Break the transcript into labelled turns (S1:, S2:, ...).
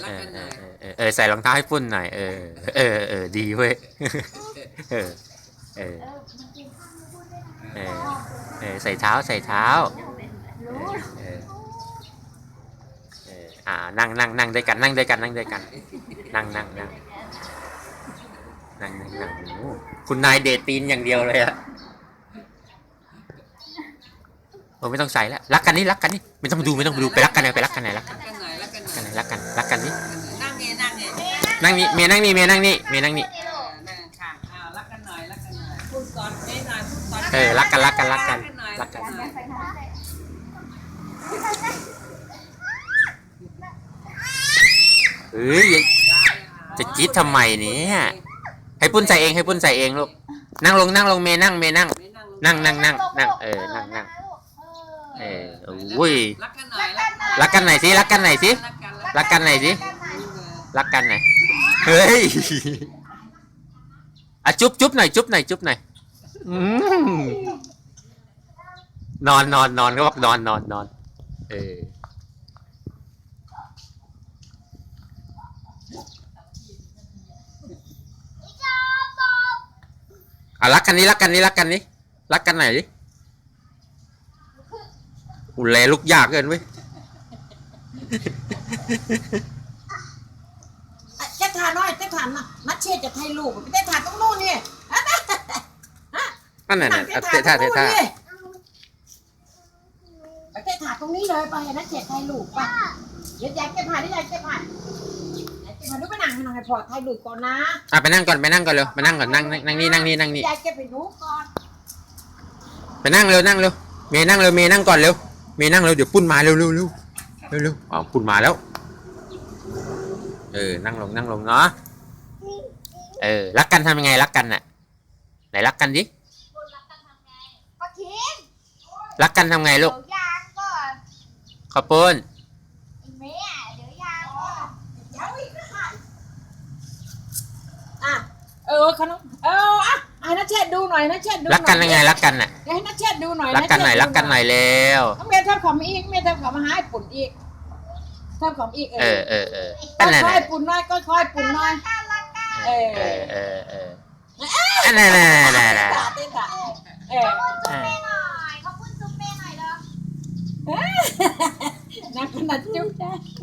S1: รักกันหน่อย
S2: ใส่รองเท้าให้ปุ้นหน่อยดีเว้ยเออเออใส่เท้าใส่เท้านั่งด้วยกันนั่งด้วยกันนั่งด้วยกันนั่งคุณนายเดทตีนอย่างเดียวเลยอะไม่ต้องใส่แล้วรักกันนี่รักกันนี่ไม่ต้องดูไปรักกันไหนไปรักกันไหนรักกันรักกันนี่
S1: นั่งนี่
S2: เมียนั่งนี่
S1: นั่งค่ะรักกันหน่อยพูดก่อนหน่อยพูดก่อน
S2: รักกันจะจี๊ดทำไมเนี่ยให้ปุ้นใส่เองลูกนั่งลงเมย์นั่งนั่งอุ้ยรักกันไหนสิเฮ้ยอ่ะจุ๊บหน่อยนอนก็บอกนอนรักกันไหนดิอุแลลุกยากเกินเว้ย
S1: เจ๊ทานน้อยเจ๊ทานนัดเชี่ยจะให้ลูกเจ๊ทานต้องนู่นนี่
S2: นั่นเจ๊ทานเจ๊ทาน
S1: ตรงนี้เลยไปนัดเชี่ยให้ลูกไปเดี๋ยวยายเจ๊ผ่านดูไปนั่งให้พอให้ลูกก่อนนะ
S2: ไปนั่งก่อนเร็วไปนั่งก่อนนั่งนี่
S1: ยายเจ๊ไปดูก่อน
S2: ไปนั่งเร็วเมย์นั่งก่อนเร็วเมย์นั่งเร็วเดี๋ยวปุ้นมาเร็วปุ้นมาแล้วนั่งลงเนาะรักกันทำยังไงรักกันน่ะไหนรักกันดิรักกันทำไงลูกขอบปุ้น
S1: ขนมให้นัชเชษดูหน่อยนัชเชษดู
S2: รักกันยังไงรักกันน่ะ
S1: ให้นัชเชษดูหน่อย
S2: รักกันหน่อยแล้ว
S1: เมย์ทำของอีกเมย์ทำของมาหาปุ่นอีกทำของอีกค่อยปุ่นน้อยค่อยปุ่นน้อย
S2: นั่น
S1: นักขนาดจุ๊บได้